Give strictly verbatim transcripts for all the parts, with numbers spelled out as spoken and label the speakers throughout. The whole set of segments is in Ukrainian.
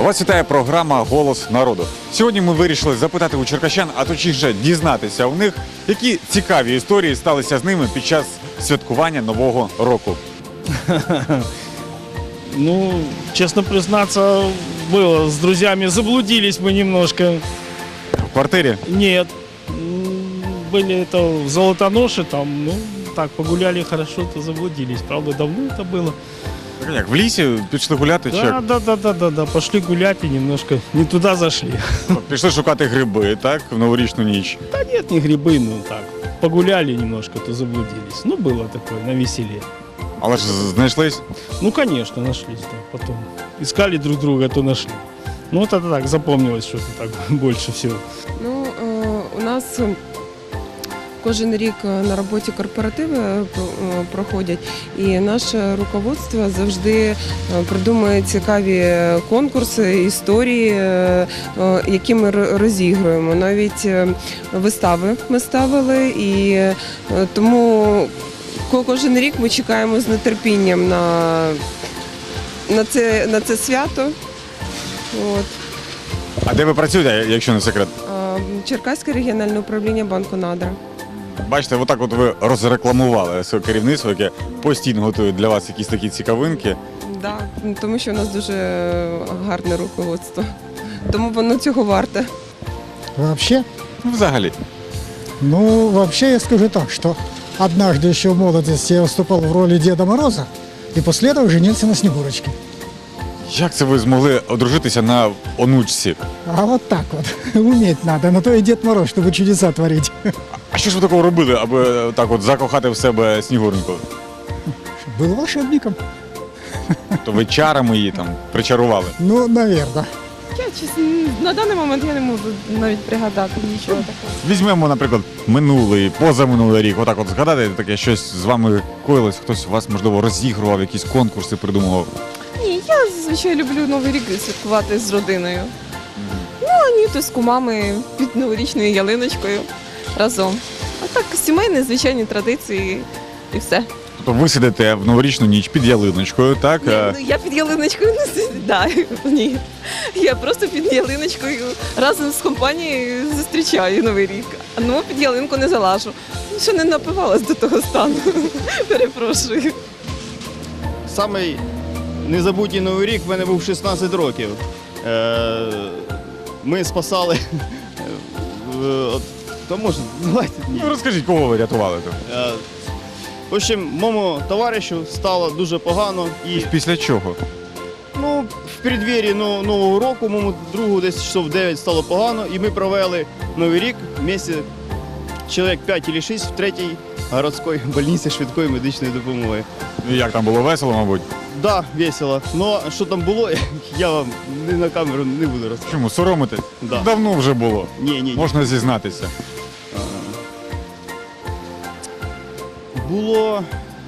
Speaker 1: Вас вітає програма «Голос народу». Сьогодні ми вирішили запитати у черкащан, а точніше дізнатися у них, які цікаві історії сталися з ними під час святкування Нового року.
Speaker 2: Ну, честно признаться, было с друзьями. Заблудились мы немножко.
Speaker 1: В квартирі?
Speaker 2: Нет. М, Были это в Золотоноше, там, ну, так, погуляли хорошо, то заблудились. Правда, давно это было.
Speaker 1: Як, в лісі пішли гуляти? Чи
Speaker 2: Да,
Speaker 1: як?
Speaker 2: да, да, да, да, да. Пошли гулять и немножко не туда зашли.
Speaker 1: Пішли шукати гриби, так, в новорічну ніч.
Speaker 2: Да нет, не грибы, ну так. Погуляли немножко, то заблудились. Ну, было такое, на веселе.
Speaker 1: Але ж знайшлись?
Speaker 2: Ну, конечно, нашлись, да, потом. Искали друг друга, то нашли. Ну, вот это так, запомнилось что-то так больше всего.
Speaker 3: Ну, е, у нас е, кожен рік е, на роботі корпоративи е, про- е, проходять, і наше руководство завжди е, придумує цікаві конкурси, історії, е, е, які ми ро- розігруємо. Навіть е, вистави ми ставили, і е, тому ко- кожен рік ми чекаємо з нетерпінням на, на, це, на це свято. От.
Speaker 1: А де ви працюєте, якщо не секрет?
Speaker 3: Е, Черкаське регіональне управління банку «Надра».
Speaker 1: Бачите, отак от ви розрекламували своє керівництво, яке постійно готує для вас якісь такі цікавинки.
Speaker 3: Да, тому що у нас дуже гарне руководство. Тому воно цього варте.
Speaker 4: Вообще?
Speaker 1: Ну, взагалі.
Speaker 4: Ну, вообще я скажу так, что однажды еще в молодости я выступал в роли Деда Мороза, и после этого женился на Снегурочке.
Speaker 1: Як це ви змогли одружитися на онучці?
Speaker 4: А вот так вот, уметь надо, на то и Дед Мороз, чтобы чудеса творить.
Speaker 1: А що ж ви такого робили, аби так от закохати в себе Снігуреньку?
Speaker 4: Был волшебником.
Speaker 1: То ви чарами її там причарували?
Speaker 4: Ну, наверное.
Speaker 5: Я чесно, на даний момент я не можу навіть пригадати нічого такого.
Speaker 1: Візьмемо, наприклад, минулий, позаминулий рік, отак от згадати, таке щось з вами коїлось, хтось вас, можливо, розігрував, якісь конкурси придумував.
Speaker 5: Ні, я зазвичай люблю Новий рік святкувати з родиною. Ну, а ні, то з кумами під новорічною ялиночкою разом. А так, сімейні, звичайні традиції і все.
Speaker 1: Тобто ви сидите в новорічну ніч під ялиночкою, так?
Speaker 5: Ні,
Speaker 1: а-
Speaker 5: ну, я під ялиночкою не сідаю. Ні. Я просто під ялиночкою разом з компанією зустрічаю Новий рік. А ну, під ялинку не залажу. Ще не напивалась до того стану. Перепрошую.
Speaker 6: Самий незабутній Новий рік в мене був шістнадцять років. Е, Ми спасали. е, от, То можна, давайте ні.
Speaker 1: Ну, розкажіть, кого ви рятували там?
Speaker 6: Е, В общем, моєму товаришу стало дуже погано. І
Speaker 1: Після чого?
Speaker 6: ну, в передвір'ї ну, Нового року, моєму другу десь часов дев'ять стало погано, і ми провели Новий рік вместе чоловік п'ять чи шість в третій городській больниці швидкої медичної допомоги.
Speaker 1: Ну, як там було весело, мабуть?
Speaker 6: Да, весело. Но що там було, я вам не на камеру не буду розказувати.
Speaker 1: Чому, соромитесь?
Speaker 6: Да.
Speaker 1: Давно вже було.
Speaker 6: Ні, ні, ні.
Speaker 1: Можна зізнатися.
Speaker 6: Було.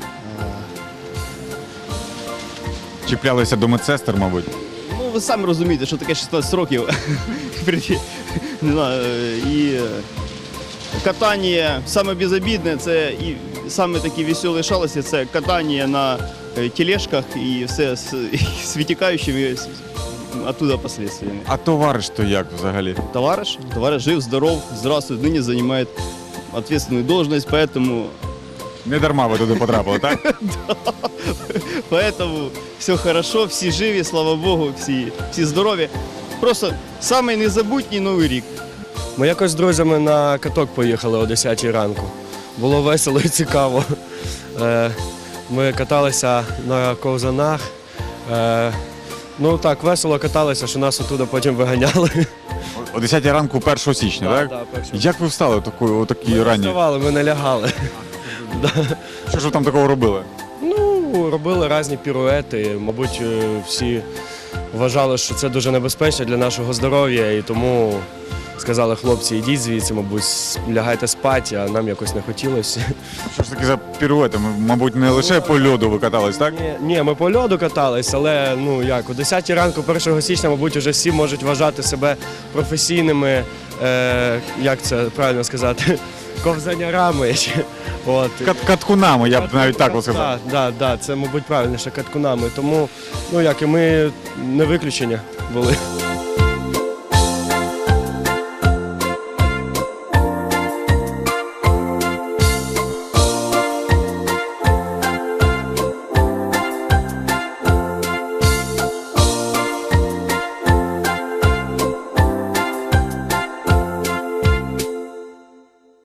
Speaker 1: Чіплялися до медсестер, мабуть.
Speaker 6: Ну, ви самі розумієте, що таке шістнадцять років. Не знаю, і е, катання саме безобідне, це і саме такі веселі шалості, це катання на е, тележках і все з, з витікаючими з- оттуда последствиями.
Speaker 1: А товариш то як взагалі?
Speaker 6: Товарищ, товарищ жив, здоров, здравствует, ныне занимает ответственную должность, поэтому,
Speaker 1: Не дарма ви туди потрапили, так?
Speaker 6: поэтому все хорошо, всі живі, слава Богу, всі, всі здорові. Просто самий незабутній Новий рік.
Speaker 7: Ми якось з друзями на каток поїхали о десятій ранку. Було весело і цікаво. Е, Ми каталися на ковзанах. Е, Ну так, весело каталися, що нас оттуда потім виганяли.
Speaker 1: О десятій ранку першого січня,
Speaker 7: Да,
Speaker 1: так?
Speaker 7: да, першого.
Speaker 1: Як ви встали такої, о такій
Speaker 7: Ми
Speaker 1: ранній?
Speaker 7: вставали, ми не лягали.
Speaker 1: Що ж ви там такого робили?
Speaker 7: Ну, робили різні піруети. Мабуть, е, всі вважали, що це дуже небезпечно для нашого здоров'я, і тому сказали хлопці, ідіть звідси, мабуть, лягайте спати, а нам якось не хотілося.
Speaker 1: Що ж таки за піруети? Ми, мабуть, не лише по льоду ви катались, так?
Speaker 7: Ні, ні, ми по льоду катались, але ну як, о десятій ранку першого січня, мабуть, вже всі можуть вважати себе професійними е, як це правильно сказати, ковзанярами. От.
Speaker 1: Кат- Каткунами, я б навіть так би сказав.
Speaker 7: Так, да, да, це, мабуть, правильніше, каткунами. Тому, ну як і ми, не виключення були.